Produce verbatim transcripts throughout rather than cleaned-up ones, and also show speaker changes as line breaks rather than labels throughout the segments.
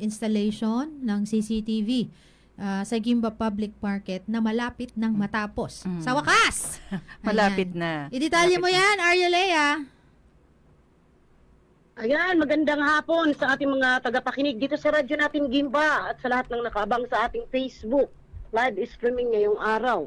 installation ng C C T V uh, sa Gimba Public Market na malapit nang matapos.
Mm.
Sa wakas!
Malapit
Ayan.
na.
Idetalye mo
Malapit na.
yan, Arya Lea.
Ayan, magandang hapon sa ating mga tagapakinig dito sa radyo natin Gimba at sa lahat ng nakaabang sa ating Facebook live streaming ngayong araw.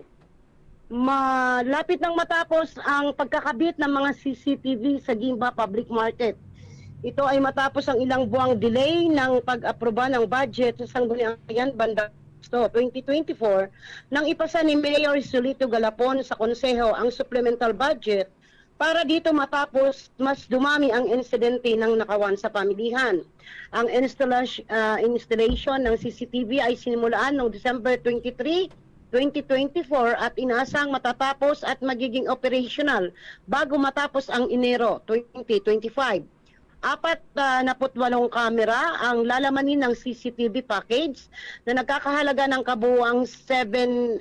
Malapit nang matapos ang pagkakabit ng mga C C T V sa Gimba Public Market. Ito ay matapos ang ilang buwang delay ng pag-aproba ng budget sa Sangguniang Banda twenty twenty-four nang ipasa ni Mayor Solito Galapon sa Konseho ang supplemental budget para dito matapos mas dumami ang insidente ng nakawan sa pamilihan. Ang installation, uh, installation ng C C T V ay sinimulaan noong December twenty-third, twenty twenty-four at inaasang matatapos at magiging operational bago matapos ang Enero twenty twenty-five. Apat uh, na putwalong kamera ang lalamanin ng C C T V package na nagkakahalaga ng kabuuang seven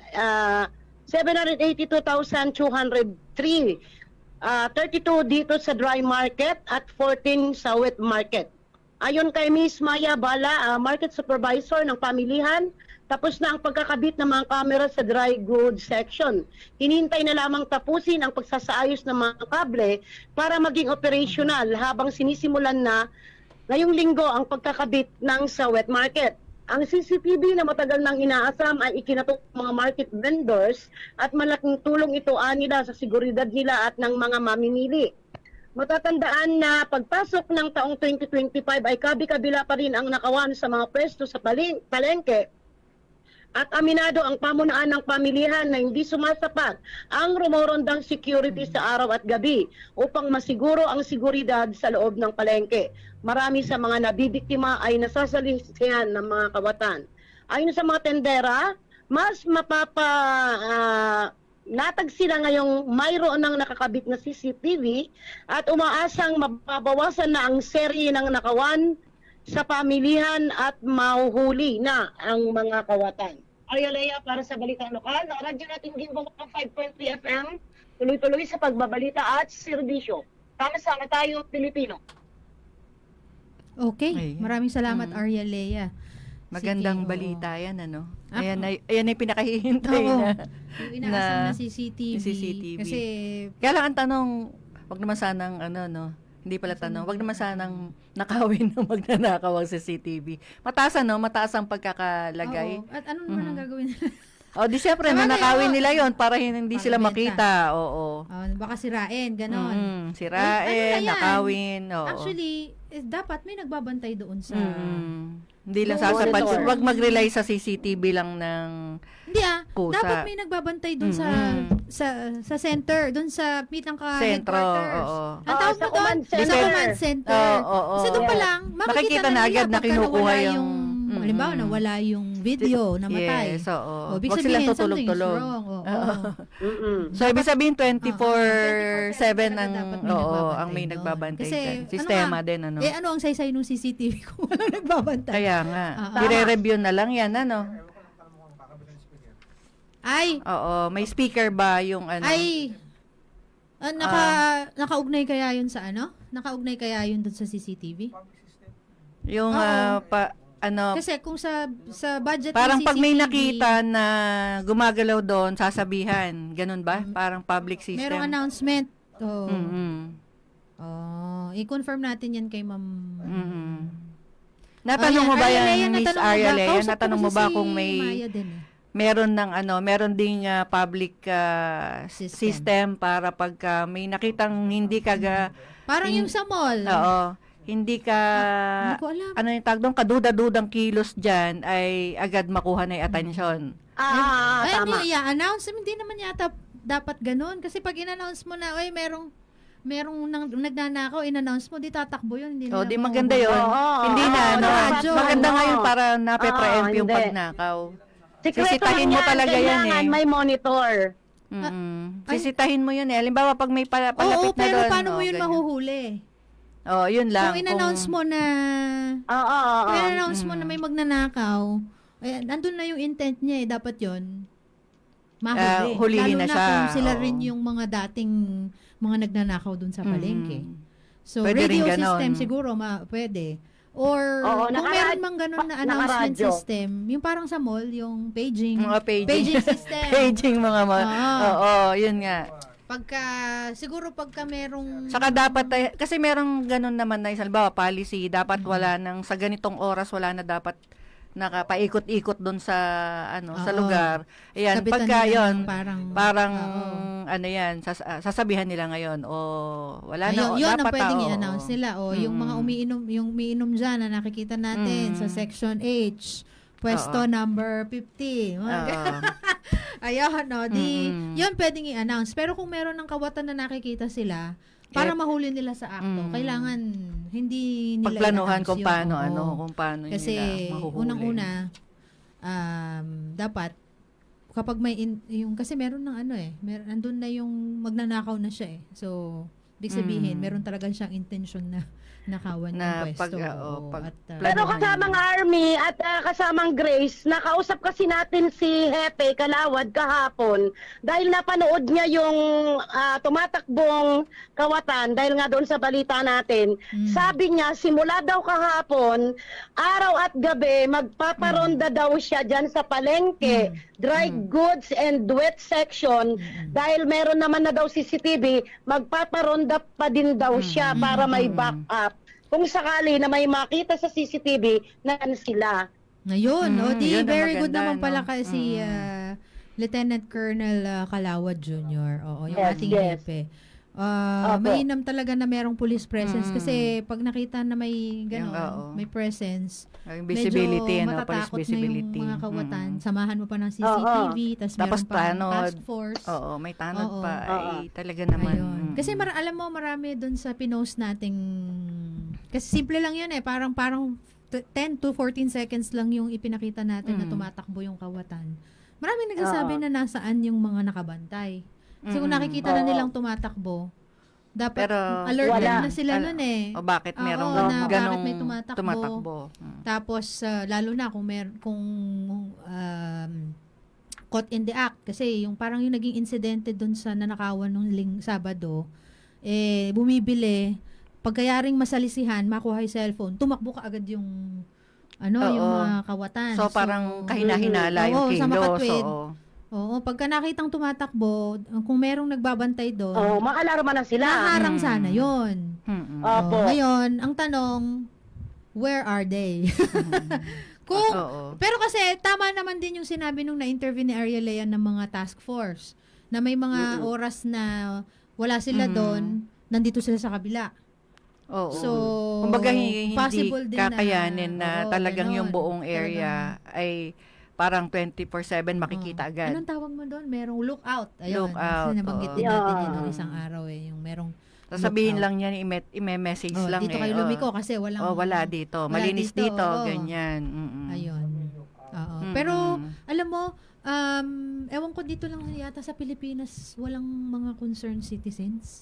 hundred eighty-two thousand two hundred three. Uh, thirty-two dito sa dry market at fourteen sa wet market. Ayon kay Miz Maya Bala, uh, market supervisor ng pamilihan, tapos na ang pagkakabit ng mga kamera sa dry goods section. Hinintay na lamang tapusin ang pagsasaayos ng mga kable para maging operational habang sinisimulan na ngayong linggo ang pagkakabit ng sa wet market. Ang C C T V na matagal nang inaasam ay ikinatok ng mga market vendors at malaking tulong ito anila sa seguridad nila at ng mga mamimili. Matatandaan na pagpasok ng taong twenty twenty-five ay kabi-kabila pa rin ang nakawan sa mga pwesto sa paling palengke at aminado ang pamunaan ng pamilihan na hindi sumasapat ang rumorondang security sa araw at gabi upang masiguro ang seguridad sa loob ng palengke. Marami sa mga nabibiktima ay nasasalisihan ng mga kawatan. Ayon sa mga tendera, mas mapapa uh, natag sila ngayong mayroon ng nakakabit na C C T V at umaasang mababawasan na ang serye ng nakawan sa pamilihan at mahuhuli na ang mga kawatan. Arya Lea para sa Balitang Lokal, ng radyo natin Gimba five point three F M, tuloy-tuloy sa pagbabalita at serbisyo. Sama-sama tayo, Pilipino.
Okay,
Ayan.
maraming salamat,
Mm.
Arya Lea.
Magandang
Sige, oo.
balita yan, ano?
Ah,
Ayan, ay, ayan ay pinakahihintay
Oo.
na.
Yung inaasam na,
na
C C T V.
C C T V.
Kasi,
Kaya lang ang tanong, wag naman sanang, ano, no? Hindi pala tanong, wag naman sanang nakawin ng magnanakaw ang C C T V. Mataas, ano? Mataas ang pagkakalagay.
oo. At ano naman ang
Mhm.
gagawin nila?
O, di syempre,
Tama
nanakawin
kayo.
nila yon para hindi
Para
sila
benta.
makita. Oo.
Oh, baka sirain, ganon.
Mm,
Ano
sirain,
na yan?
nakawin. Oo.
Actually, eh, dapat may nagbabantay doon sa...
Mm. Hindi lang
Yung
sasapat.
monitor.
Wag mag-rely sa C C T V lang ng
Hindi ah,
kusa.
dapat may nagbabantay doon sa
Mm-mm.
sa sa center, doon sa mitang ka
Sentro,
headquarters.
oo.
Ang
Ah,
tawag
sa
mo doon?
command
Sa
center.
command center.
Oo, oo, oo.
Kasi doon pa
Yes.
lang, makikita
Makikita
na
na
nila
agad na
pagka
kinukuha
nawala
yung-
yung,
Mm-mm.
halimbawa, nawala yung video, namatay.
Yes, oo.
O, ibig
Wag
sabihin,
silang
something is
tutulog-tulog.
wrong. Oo.
Oo.
Mm-mm.
So, ibig sabihin twenty-four seven
talaga
ang,
dapat may
oo,
nagbabantay
ang may
doon.
nagbabantay
Kasi,
dyan.
ano
Sistema
nga,
din, ano?
Eh, ano ang saysay ng C C T V kung walang nagbabantay?
Kaya nga.
Ah,
I-review na lang yan, ano?
Ay,
Oo, may speaker ba yung ano?
ay, ah, naka, nakaugnay kaya yun sa ano? Nakaugnay kaya yun doon sa C C T V?
Yung,
Oo.
ah, pa, ano,
Kasi kung sa sa budget
parang
ng
pag may
C C T V,
nakita na gumagalaw doon, sasabihan. Ganun ba? Parang public system.
merong announcement. Oh.
Mm-mm.
Oh, i-confirm natin yan kay Ma'am.
Mm-mm. Natanong
Oh,
mo ba
Arya Lea,
yan, Miss
natanong mo
Arya
ba?
Lea?
Kausap ko
Natanong mo
kasi
ba
si
kung may
Maya din eh.
meron ng ano, meron ding ah, public ah,
System.
system. para pagka may nakitang hindi ka ga,
Parang
in-
yung sa mall.
oo, hindi ka
Hindi ko alam.
ano yung tawag doon, kaduda-dudang kilos diyan ay agad makuha na yung atensyon.
Ah,
Ay,
tama.
hindi, i-announce. Hindi naman yata dapat ganun. Kasi pag in-announce mo na, ay, merong merong nang, nagnanakaw, in-announce mo, di tatakbo yun. Hindi
O,
na
di
mahuhuli.
maganda yun.
Oo,
hindi
oo,
na,
oo,
ano,
radyo.
maganda nga yun
Oo.
para nape-preempt
Oo,
yung
hindi.
pagnakaw.
Sikreto
Sisitahin
lang
mo
yan,
talaga yan
kailangan
eh.
may monitor.
Mm-mm.
Ay.
Sisitahin mo yun eh. Halimbawa, pag may pala,
Oo,
palapit na
pero
doon.
paano mo
oh,
yun
ganyan.
mahuhuli?
Oh, yun lang.
Kung in-announce mo na,
Oo, oo, oo.
kung in-announce mo
Mm.
na may magnanakaw, eh, nandun na yung intent niya eh, dapat yun. Mahuli.
Ah, hulihin
Lalo
na
na,
siya,
kung sila
oo.
rin yung mga dating mga nagnanakaw dun sa palengke.
Mm.
So,
Pwede rin
radio
ganon.
system siguro, ma pwede. Or
Oo,
kung
naka-
meron mang ganun na
pa-
announcement
nakaradyo.
system, yung parang sa mall, yung paging,
Mga paging.
paging system.
Paging mga ma-
Oo.
Oo, yun nga.
Pagka, siguro pagka merong...
Saka dapat, tay- kasi merong ganun naman na, halimbawa, policy, dapat wala nang, sa ganitong oras, wala na dapat nakapaikot-ikot doon sa, ano, sa
Oo.
lugar. Ayan,
Sabitan
pagka
nila
yun,
ng parang,
parang,
oo.
ano yan, sas- ah, sasabihan nila ngayon, o, wala na,
Ayun,
o,
yun ang
dapat,
pwedeng
ah, oo.
i-announce nila. O, yung mga
Mm.
umiinom, yung umiinom dyan na nakikita natin
Mm.
sa section H, pwesto
Oo.
number fifty. Mga
Oo.
ganun. Ayun, no, di,
Mm-mm.
yun pwedeng i-announce. Pero kung meron ng kawatan na nakikita sila, para
Eh,
mahuli nila sa akto,
mm.
kailangan hindi nila
Pagplanuhan
i-announce
kung
yun.
paano,
Oo.
ano, kung paano
Kasi,
nila mahuhuli.
unang-una, um, dapat, kapag may, in, yung, kasi meron ng ano eh, meron, nandun na yung magnanakaw na siya eh. So, ibig sabihin,
Mm.
meron talaga siyang intention na nakawan
Na
yung
pag,
pwesto.
oo,
Oo,
pag-
at, uh,
Pero
Planuhan
kasamang
yun.
Army at ah, kasamang Grace, nakausap kasi natin si Hepe Kalawad kahapon dahil napanood niya yung ah, tumatakbong kawatan dahil nga doon sa balita natin.
Mm.
Sabi niya, simula daw kahapon, araw at gabi, magpaparonda daw siya dyan sa palengke, dry goods and wet section. Dahil meron naman na daw C C T V, magpaparonda pa din daw siya para may backup. Kung sakali na may makita sa C C T V, nan sila.
Ngayon,
Mm,
o di,
yun ang
very good
maganda,
naman pala
no?
kasi
Mm.
ah, Lieutenant Colonel ah, Kalawad Junior Oo, yung
Yes,
ating
yes.
hepe. Ah,
Opo.
mainam talaga na merong police presence
Mm.
kasi pag nakita na may
Yung,
gano'n,
oo.
may presence,
Yung visibility,
medyo
ano, police
matatakot
visibility.
na yung mga kawatan.
Mm.
Samahan mo pa ng C C T V, tas
Tapos
meron pa
tanod.
task force.
Oo, may tanod
Oo.
pa.
Oo.
Ay, talaga naman.
Ayun.
Mm.
Kasi mar- alam mo, marami doon sa pinost nating, kasi simple lang yun eh, parang parang t- ten to fourteen seconds lang yung ipinakita natin na
Mm.
tumatakbo yung kawatan. Maraming nagsasabi
Oo.
na nasaan yung mga nakabantay. So kung
Mm.
nakikita na
Oo.
nilang tumatakbo, dapat
Pero,
alerted
wala.
na sila
Al-
nun eh.
O bakit
Oo,
merong
na bakit
ganong
may tumatakbo.
tumatakbo? Mm.
Tapos ah, lalo na kung mer kung um, caught in the act kasi yung parang yung naging insidente doon sa nanakawan nung ling Sabado eh bumibili pagkayaring masalisihan makuha yung cellphone tumakbo ka agad yung ano
Oo.
yung mga kawatan.
So, parang kahina-hinala
Oo,
yung
sa
kilos.
makatwid.
Oo.
Oo, pagka nakitang tumatakbo, kung merong nagbabantay doon,
Oh, maalarma na sila.
naharang
Mm.
sana 'yon.
Mm-mm.
Opo.
Oh, ngayon, ang tanong, where are they? Kung,
Oo.
pero kasi tama naman din yung sinabi nung na-interview ni Ariel Lea ng mga task force na may mga
Mm-mm.
oras na wala sila
Mm.
doon, nandito sila sa kabila.
Oo.
So,
Kumbaga hindi, hindi
possible din na-
kakayanin na,
oo,
talagang
ganon.
yung buong area ay parang twenty-four seven makikita
Oo.
agad.
Anong tawag mo doon? Merong lookout. Ayun,
Lookout,
kasi nabanggit
oo.
din natin
Yeah.
yun nung isang araw eh. Yung merong,
Sasabihin
lookout.
lang yan, ime- ime-message
oh,
lang
dito
eh.
kayo
oh.
lumiko kasi walang,
Oh, wala dito.
wala
Malinis
dito,
dito,
oo.
ganyan. Mm-mm.
Ayun. Oo.
Mm-mm.
Pero, alam mo, um, ewan ko dito lang yata sa Pilipinas, walang mga concerned citizens.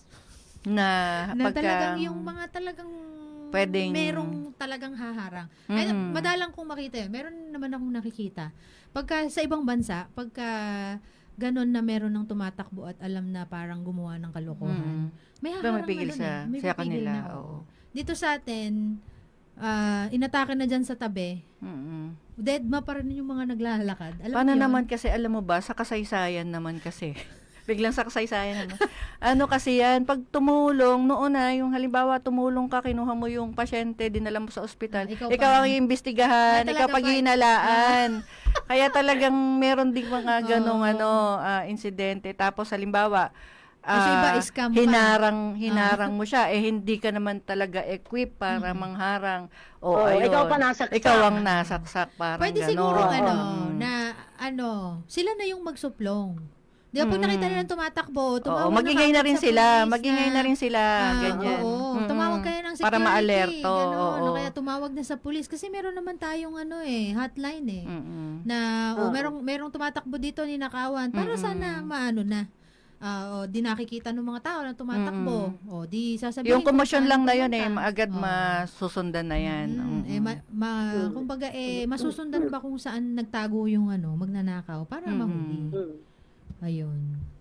Na,
Na
pagka,
talagang yung mga talagang
pwedeng-
merong talagang haharang.
Mhm.
Ay, madalang kong makita yun. Meron naman akong nakikita. Pagka sa ibang bansa, pagka ganon na meron ng tumatakbo at alam na parang gumawa ng kalokohan,
Mm.
may
Diba
haharang
may pigil
na dun
sa,
eh. May
sa
pipigil
kanila.
na,
Oo.
Dito sa atin, ah, inatake na dyan sa tabi,
Mm-mm.
deadma pa rin yung mga naglalakad. Alam
Paano
mo yun?
naman kasi, alam mo ba, sa kasaysayan naman kasi, biglang sa kasaysayan naman, ano kasi yan, pag tumulong, noon na, yung halimbawa, tumulong ka, kinuha mo yung pasyente, dinala mo sa ospital,
Ah, ikaw
ikaw,
pa.
ang iimbestigahan,
Ah,
ikaw
talaga
pag
ba?
hinalaan. Kaya talagang meron ding mga ganong
Oo.
ano, ah, insidente. Tapos, halimbawa,
Kasi iba,
ah,
scam pa.
hinarang, hinarang mo siya, eh hindi ka naman talaga equipped para mangharang. O,
Oo,
ayun,
ikaw pa nasaksak.
ikaw ang nasaksak, parang
Pwede
ganon.
siguro ano,
Mm.
na ano, sila na yung magsuplong. Di ba pag
Mm.
nakita nila tumatakbo,
Oo,
tumawag
magingay na
kaagad
rin
sa
sila,
police
magingay na rin sila,
ah,
ganyan.
Oo,
Mm-mm.
tumawag kayo ng security.
Para ma-alerto,
Ganon,
oo.
o kaya tumawag na sa police. Kasi meron naman tayong ano eh, hotline eh.
Mm-mm.
Na, o
Oo.
merong, merong tumatakbo dito ni Nakawan. Para
Mm-mm.
sana maano na. Ah, o di nakikita ng mga tao na tumatakbo. O di sasabihin
Yung
kung
komosyon
saan
lang na yun eh,
pumunta.
agad
Oo.
masusundan na yan.
Mm,
Mm-mm.
eh, ma, ma- kumbaga, eh, masusundan ba kung saan nagtago yung ano, magnanakaw para
Mm-mm.
mahuli.
Mm.
Ayun.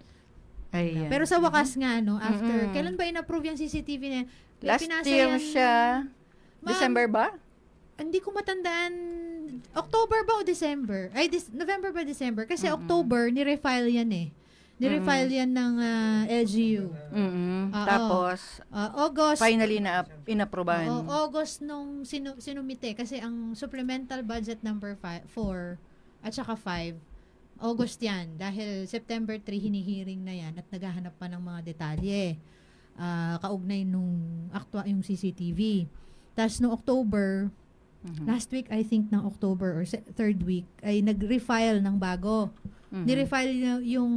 Ayan.
Pero sa wakas nga, no, after,
Mm-mm.
kailan ba in-approve yung C C T V na?
Last
Pinasa
year
yan-
siya,
Ma'am,
December ba?
hindi ko matandaan, October ba o December? Ay, Dis- November ba December? Kasi
Mm-mm.
October, nirefile yan eh. Nirefile yan ng ah, L G U.
Mm-mm.
Oo.
Tapos,
Ah, August,
finally na inaprobahan.
oo, August nung sinu- sinumite. Kasi ang supplemental budget number four at saka five, August yan. Dahil September three, hinihiring na yan at naghahanap pa ng mga detalye. Ah, kaugnay nung actua, yung C C T V. Tapos no October,
Mhm.
last week I think ng October or se- third week ay nag-refile ng bago.
Mhm.
Ni-refile niya yung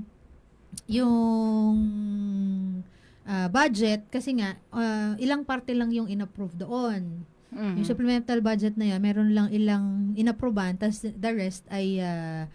yung ah, budget kasi nga ah, ilang parte lang yung inapprove doon.
Mhm.
Yung supplemental budget na yan, meron lang ilang inapprovean, tas the rest ay uh,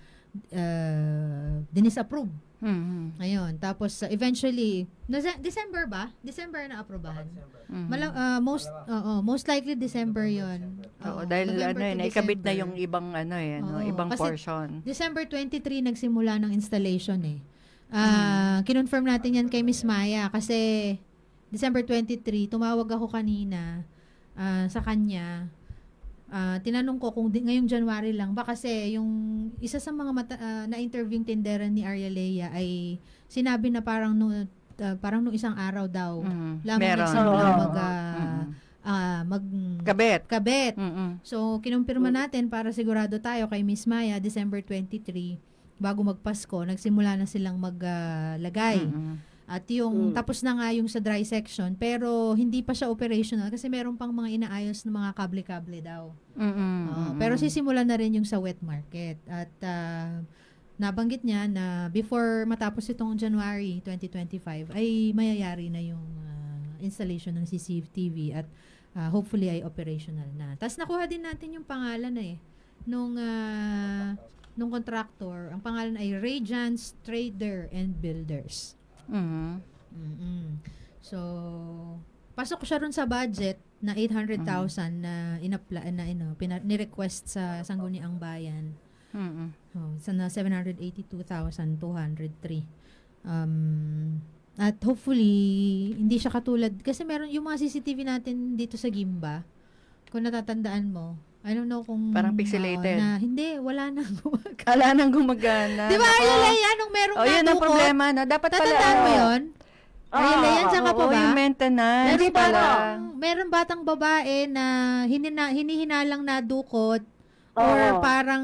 uh, dinisapprove.
Mhm.
Ayun. Tapos uh, eventually, nasa- December ba? December na aprobahan.
Mhm.
Mala- uh, most oo, most likely December 'yon.
Oo, dahil ano eh, naikabit na yung ibang ano eh, ano,
Oo,
ibang
kasi
portion.
December twenty-three nagsimula ng installation eh. Ah, kinonfirm natin yan kay Miss Maya kasi December twenty-three tumawag ako kanina ah, sa kanya. Ah, tinanong ko kung di, ngayong January lang ba kasi yung isa sa mga mata, ah, na-interview tindera ni Arya Lea ay sinabi na parang no, ah, parang nung isang araw daw
Mhm.
lamang
Meron.
nagsimula
Oo.
mag ah,
Mhm.
ah, mag
Kabit.
kabet.
Mhm.
So, kinumpirma natin para sigurado tayo kay Miss Maya, December twenty-three, bago magpasko, nagsimula na silang maglagay.
Mhm.
At yung,
Mm.
tapos na nga yung sa dry section, pero hindi pa siya operational kasi meron pang mga inaayos na mga kable-kable daw.
Mhm.
Oo, pero sisimulan na rin yung sa wet market. At ah, nabanggit niya na before matapos itong January twenty twenty-five, ay mayayari na yung ah, installation ng C C T V at ah, hopefully ay operational na. Tapos nakuha din natin yung pangalan na eh, nung, ah, nung contractor. Ang pangalan ay Radiance Trader and Builders.
Mhm.
Mm-mm. So, pasok siya ron sa budget na eight hundred thousand na inapla na ino, pina, ni-request sa Sangguniang Bayan.
Mhm.
Oh, sa na seven hundred eighty-two thousand two hundred three. Um, at hopefully, hindi siya katulad, kasi meron yung mga C C T V natin dito sa Gimba, kung natatandaan mo, I don't know kung...
Parang pixelated.
oo, na, hindi, wala nang gumagana.
Kala nang gumagana.
Di ba,
Nako.
Arya Lea, nung merong
Oh, yun ang
nadukot,
problema, no? Dapat pala.
tatandaan mo
oh.
yun? Arya Lea, yan, saan ka pa
Oo,
ba?
yung maintenance
Meron
pala.
batang, meron batang babae na hinina, hinihinalang nadukot or
Oo.
parang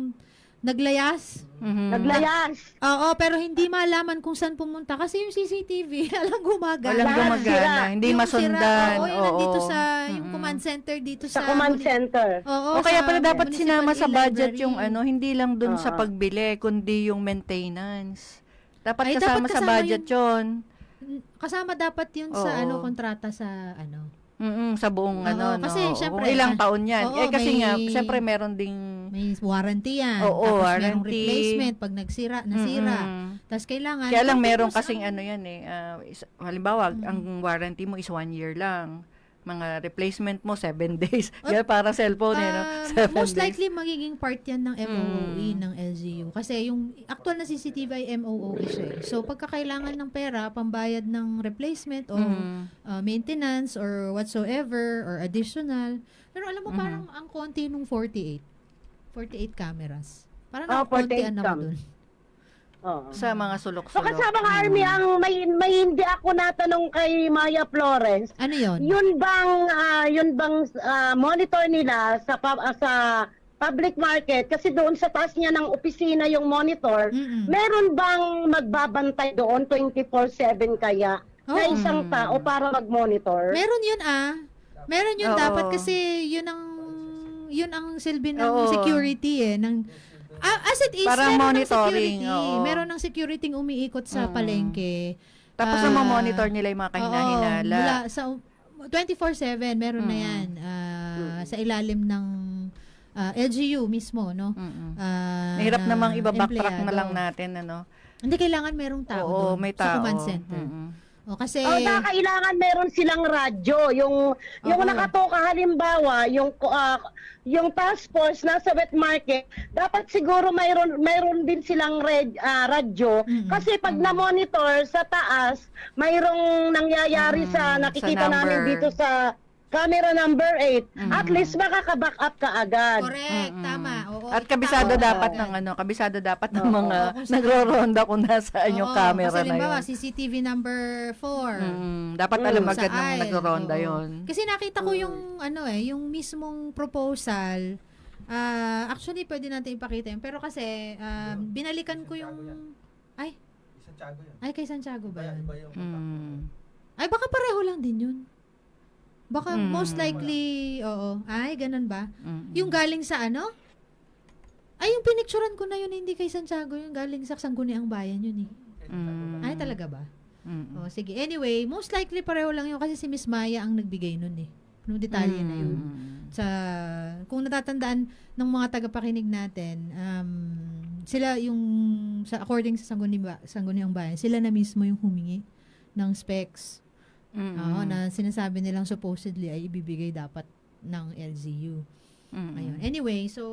naglayas.
Mhm.
Naglayas.
Oo, pero hindi malaman kung saan pumunta kasi yung C C T V alang gumagana.
Walang
Lahat
gumagana,
sira.
hindi
Yung
masundan.
sira, oo, yung
Oo.
nandito sa yung
Mm-mm.
command center dito
Sa
sa,
command
muni-
center.
Oo,
O kaya
sa
pala dapat
municipal
sinama sa budget
e-library.
yung ano, hindi lang dun sa
Oo.
pagbili, kundi yung maintenance. Dapat
Ay,
kasama
dapat
sa
kasama
budget yun.
Kasama dapat yun sa
Oo.
ano kontrata sa ano.
Mm-mm, sa buong
Oo,
ano,
kasi
no?
syempre,
Kung ilang
ah,
taon yan.
oo,
eh kasi
may-
nga, syempre meron ding...
May warranty yan.
Oo,
Tapos merong
warranty.
replacement pag nagsira, nasira.
Mm-mm.
Tapos kailangan
Kaya lang meron
continuous
kasing
ang-
ano yan eh. ah, is- halimbawa,
Mm.
ang warranty mo is one year lang. Mga replacement mo, seven days. Kaya para cellphone eh, no?
Ah,
Seven
most
days.
likely magiging part yan ng M O O E
Mm.
ng L G U. Kasi yung actual na C C T V ay M O O E siya. eh. So pagkakailangan ng pera, pambayad ng replacement o
Mm.
uh, maintenance or whatsoever or additional. Pero alam mo
Mhm.
parang ang konti nung forty-eight. forty-eight cameras. Parang
Ah,
ang konti
forty-eight
ano
cam.
dun.
Oo.
Sa mga
So
sulok-sulok.
kasama ka,
Mm.
Army, ang may, may hindi ako natanong kay Maya Florence.
Ano yon?
Yun bang ah, yun bang ah, monitor nila sa pub- ah, sa public market kasi doon sa taas niya ng opisina yung monitor,
Mm-mm.
meron bang magbabantay doon twenty-four seven kaya na
Oo.
isang
Mm.
tao para mag-monitor?
Meron yun ah. Meron yun
Oo.
dapat kasi yun ang yun ang silbi ng
Oo.
security eh ng ah, as it is
Parang
meron
monitoring,
ng security.
oo.
Meron ng security umiikot sa
Mm.
palengke.
Tapos
Ah,
na monitor nila yung mga
Oo,
kahinahinala.
mula sa twenty-four seven meron na
Mm.
yan ah, sa ilalim ng ah, L G U mismo no.
Mm-mm.
Ah,
Mahirap
na
namang ibabacktrack na
empleyado.
lang natin, ano?
Hindi kailangan merong tao
Oo,
doon
may
sa
tao.
command center.
Mm-mm.
O kasi
Oh, na kailangan meron silang radyo. Yung yung
Oo.
nakatoka halimbawa, yung ah, yung task force nasa wet market, dapat siguro mayroon mayroon din silang red, ah, radyo
Mm-mm.
kasi pag na-monitor sa taas, mayroong nangyayari
Mm,
sa nakikita
sa
namin
number.
dito sa camera number eight.
Mm.
At least makaka-back up ka agad.
Correct,
Mm-mm.
tama. Oo,
At
ita-
kabisado
Oo.
dapat ng ano, kabisado dapat ng
Oo.
mga
Oo, kung saan-
nagro-ronda kung nasaan yung
Oo,
camera
kasi
na
limbawa,
yun.
C C T V number four.
Mm, dapat
Mm.
alam
Sa
agad ng
aisle,
nagro-ronda
oo.
yun.
Kasi nakita ko yung ano eh, yung mismong proposal. ah actually, pwede natin ipakita yun. Pero kasi, ah, binalikan ko yung... Ay,
Santiago yun.
ay kay Santiago ba
Iba,
yun?
iba yung
Mm.
Ay, baka pareho lang din yun. Baka
Mm.
most likely, oo. Ay, ganun ba?
Mm.
Yung galing sa ano? Ay, yung pinicturan ko na yun, hindi kay Santiago. Yung galing sa Sangguniang Bayan yun eh.
Mm.
Ay, talaga ba?
Mm.
Oh, sige. Anyway, most likely pareho lang yun kasi si Miss Maya ang nagbigay nun eh. Nung detalye na yun.
Mm.
Sa, kung natatandaan ng mga tagapakinig natin, um, sila yung, sa, according sa Sangguniang, Sangguniang Bayan, sila na mismo yung humingi ng specs.
Mm.
Oo, na sinasabi nilang supposedly ay ibibigay dapat ng L Z U.
Mm.
Ayun. Anyway, so,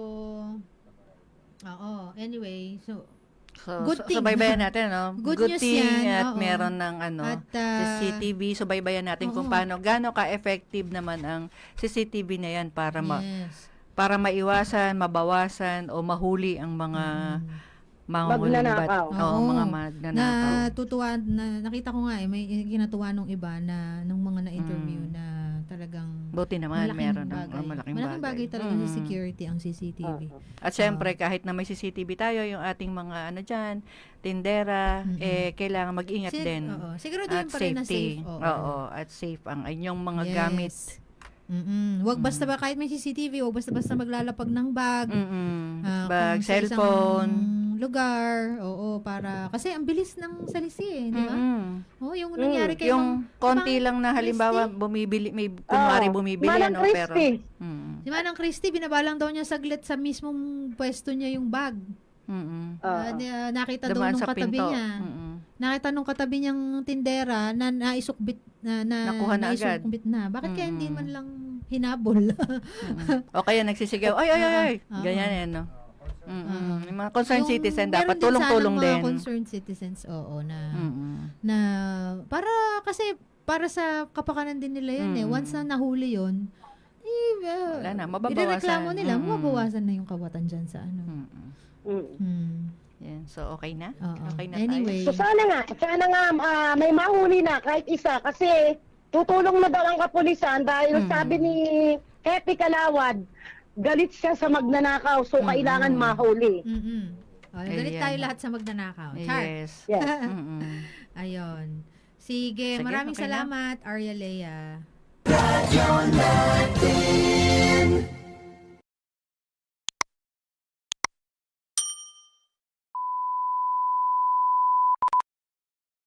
oo, anyway, so,
So,
Good
so,
thing.
subaybayan natin, no?
Good news
thing
yan,
at
oo.
meron ng ano,
at,
C
ah,
C T V. Subaybayan natin kung
oo.
paano, gaano ka-effective naman ang C C T V na yan para ma
yes.
para maiwasan, mabawasan o mahuli ang mga mga
Magnanakaw.
Oo,
Oo.
mga
Na
magnanakaw.
tutuwa, na, nakita ko nga eh, may kinatuwa nung iba na, nung mga na-interview
Mm.
na talagang
Buti naman
malaking
meron ng
bagay.
oh, malaking,
Malaking bagay talaga sa
Mm.
security ang C C T V.
Oo.
At syempre, kahit na may C C T V tayo, yung ating mga ano dyan, tindera,
Mm-mm.
eh, kailangan mag-ingat
Sig-
din.
Oo. Siguro
At
din pa rin na
safety.
safe. Oo.
Oo, at safe ang inyong mga
Yes.
gamit.
Mm-mm. Wag basta
Mm.
ba kahit may C C T V, wag basta basta maglalapag ng bag.
Mm-mm.
ah,
Bag,
kung sa isang
cellphone.
lugar. Oo, para kasi ang bilis ng salisi eh, di ba?
Mm-mm.
Oh, yung nangyari kay
Yung
Mang-
konti
Mang
lang na halimbawa
Christy.
bumibili, may kunwari
Oo.
bumibili,
Manang
ano, pero...
Christy.
Mm.
Si Manang Christy, binabalang daw niya saglit sa mismong pwesto niya yung bag.
Mm-mm.
Ah,
Oo.
di- ah, nakita daw
Dumaan
nung
sa
katabi
pinto.
niya.
Mm-mm.
Nakita nung katabi niyang tindera na naisukbit na, na
Nakuha na agad.
naisukbit na. Bakit kaya hindi
Mm-mm.
man lang hinabol?
Mm-mm. O kaya nagsisigaw, ay, ay, ay, ay.
Oo.
Ganyan yan, no? Mm-mm.
Oo.
Yung mga concerned
Yung
citizen,
meron
dapat
din
tulong-tulong
sanang
din.
mga concerned citizens, oo, na,
Mm-mm.
na, para, kasi, para sa kapakanan din nila yun eh.
Mm.
Once na nahuli yun, eh, uh,
Wala na, mababawasan.
irereklamo nila,
Mm-mm.
mababawasan na yung kawatan dyan sa ano.
Mm-mm.
Mm.
Hmm.
Yan. So, okay na?
Oo.
Okay na
Anyway.
So sana nga, sana nga ah, may mahuli na kahit isa kasi tutulong na daw ang kapulisan dahil
Mm.
sabi ni Happy Kalawad, galit siya sa magnanakaw so
Mm.
kailangan mahuli.
Mm-mm. Oh, galit
Ayan.
tayo lahat sa magnanakaw. Char.
Yes.
Yes.
Mm-mm.
Ayun. Sige,
Sige,
maraming
okay na.
salamat, Arya Lea.
Radyo natin.